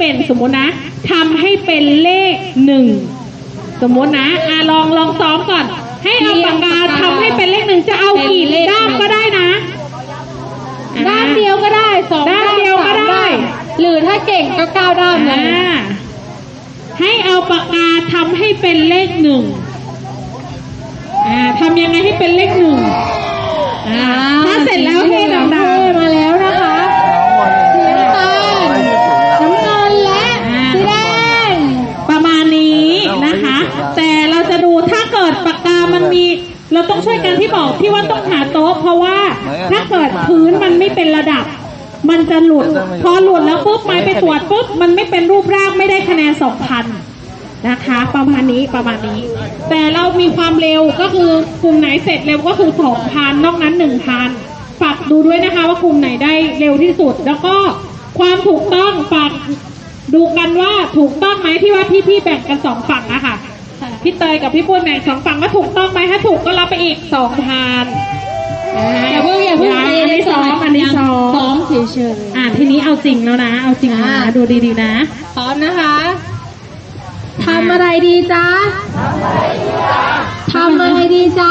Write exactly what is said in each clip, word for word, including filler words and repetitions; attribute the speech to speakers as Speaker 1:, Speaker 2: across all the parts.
Speaker 1: เป็นสมมุตินะทำให้เป็นเลขหนึ่งสมมุตินะอ่ะลองลองซ้อมก่อนให้เอาปากกาทำให้เป็นเลขหนึ่งจะเอากี่ด้ามก็ได้นะ
Speaker 2: ด้านเดียวก็ได้สอง
Speaker 1: ด้านเดียวก็ได้
Speaker 2: หรือถ้าเก่งก็เก้าด้ามเลย
Speaker 1: ให้เอาปากกาทำให้เป็นเลขหนึ่งอ่าทำยังไงให้เป็นเลขหนึ่งอ่าถ้าเสร็จแล้วให้ดังๆ
Speaker 2: มาแล้วนะคะสีน้ำตาลน้ำเงินและสีแดง
Speaker 1: ประมาณนี้นะคะแต่เราจะดูถ้าเกิดปากกามันมีเราต้องช่วยกันที่บอกที่ว่าต้องหาโต๊ะเพราะว่าถ้าเกิดพื้นมันไม่เป็นระดับมันจะหลุดพอหลุดแล้วปุ๊บไม้ไปตรวจปุ๊บมันไม่เป็นรูปร่างไม่ได้คะแนนสองพันนะคะประมาณนี้ประมาณนี้แต่เรามีความเร็วก็คือกลุ่มไหนเสร็จเร็วก็คือสองพันนอกนั้นหนึ่งพันฝากดูด้วยนะคะว่ากลุ่มไหนได้เร็วที่สุดแล้วก็ความถูกต้องฝากดูกันว่าถูกต้องไหมที่ว่าพี่ๆแบ่งกันสองฝั่งอะค่ะพี่เตยกับพี่ปุ้ยแบ่งสองฝั่งว่าถูกต้องไหมถ้าถูกก็รับไปอีกสองพัน
Speaker 2: อย่าเพิ่งอย่าเพิ่ง
Speaker 1: อันนี้ซ้อมอันนี้ซ้อม
Speaker 2: ซ้อมเฉย
Speaker 1: ๆอ่าทีนี้เอาจริงแล้วนะเอาจริงนะดูดีๆนะ
Speaker 2: พร้อมนะคะทำอะไรดีจ๊ะทำอะไรดีจ๊ะ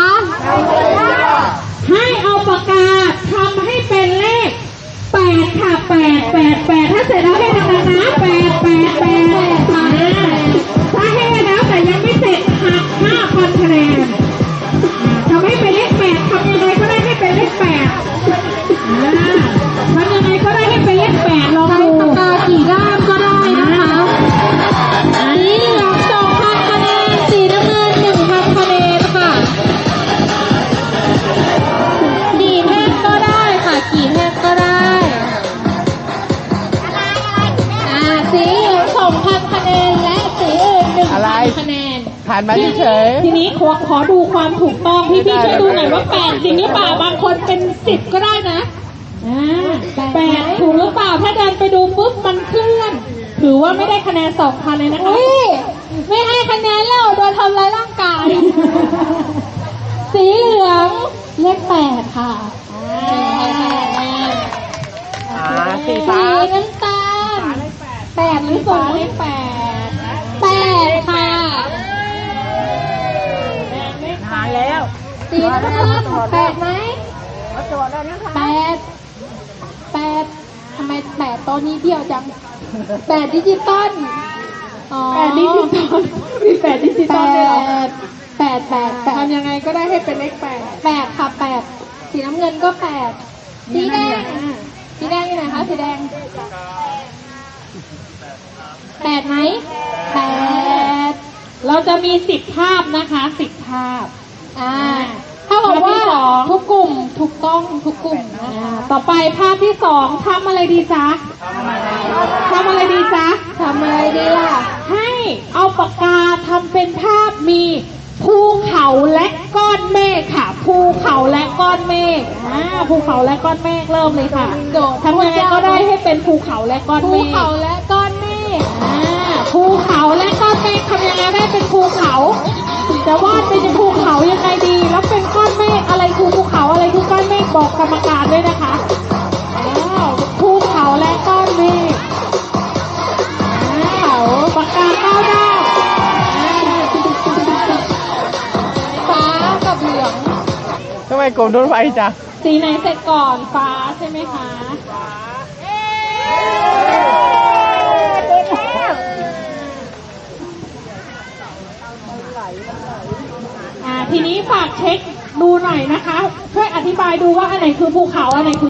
Speaker 1: ให้เอาปากกาทำให้เป็นเลขแปดค่ะแปดแปดแปดถ้าเสร็จแล้วให้ดังๆนะแปดแปดแปดถ้าให้แล้วแต่ยังไม่เสร็จหักห้าพันคะแนนทำให้เป็นเลขแปดทำยังไงก็ได้ให้เป็นเลขแปดทำยังไงก็ได้ให้เป็นเลขแปดลองดู
Speaker 2: ปากกากี่ด้ามก็ได้นะคะสีเหลืองสองพันคะแนนสีน้ำเงินหนึ่งพันคะแนนค่ะกี่แท่งก็ได้ค่ะกี่แท่งก็ได้อ่าสีเหลืองสองพันคะแนนและสีอื่นหนึ่งพันคะแนน
Speaker 3: ผ่านมาเฉย
Speaker 1: ทีนี้ขอขอดูความถูกต้องพี่พี่ช่วยดูหน่อยว่าแปดจริงหรือเปล่าบางคนเป็นสิบก็ได้นะอ่าแปดถูกหรือเปล่าถ้าเดินไปดูปุ๊บมันเคลื่อนถือว่าไม่ได้คะแนนสองพันเลยนะคะ
Speaker 2: ไม่ให้คะแนนแล้วโดนทำร้ายร่างกายสีเหลืองเลขแปดค่ะ
Speaker 3: สีฟ้า
Speaker 2: น้ำตาลแปดหรือสองเลขแปดแปดค่ะ
Speaker 3: หายแล้ว
Speaker 2: สีน้ำตาลแปดไหมแปดแปดทำไมแปดตัวนี้เดียวจังแปดดิจิตอล
Speaker 1: แปดดิจิตอลมีแปดดิจิตอลด้วยเหรอ
Speaker 2: แปดแปดแปด
Speaker 1: ทำยังไงก็ได้ให้เป็นเลขแปด
Speaker 2: แปดค่ะแปดสีน้ำเงินก็แปดสีแดงสีแดงอยู่ไหนคะสีแดงแปดไหมแปด
Speaker 1: เราจะมีสิบภาพนะคะสิบภาพ
Speaker 2: อ่าถ้าบอกว่าทุกกลุ่มถูกต้องทุกกลุ่มนะคะ
Speaker 1: ต่อไปภาพที่สองทำอะไรดีจ๊ะทำอะไรดีจ๊ะ
Speaker 2: ทำอะไรดีล่ะ
Speaker 1: ให้เอาปากกาทำเป็นภาพมีภูเขาและก้อนเมฆค่ะภูเขาและก้อนเมฆอ่าภูเขาและก้อนเมฆเริ่มเลยค่ะทำยังไงก็ได้ให้เป็นภูเขาและก้อนเมฆ
Speaker 2: ภูเขาและก้อนเมฆ
Speaker 1: อ่าภูเขาและก้อนเมฆทำยังไงได้เป็นภูเขาจะวาดเป็นภูเขายังไงดีแล้วเป็นก้อนเมฆอะไรคือภูเขาอะไรคือก้อนเมฆบอกกรรมการด้วยนะคะอ้าวภูเขาและก้อนเมฆอ้าวปากกาเก้าด้าม
Speaker 2: ฟ้ากับเหลือง
Speaker 3: ทำไมกลมโดนไฟจ้ะ
Speaker 1: สีไหนเสร็จก่อนฟ้าใช่ไหมคะทีนี้ฝากเช็คดูหน่อยนะคะช่วยอธิบายดูว่าอันไหนคือภูเขาอันไหนคือ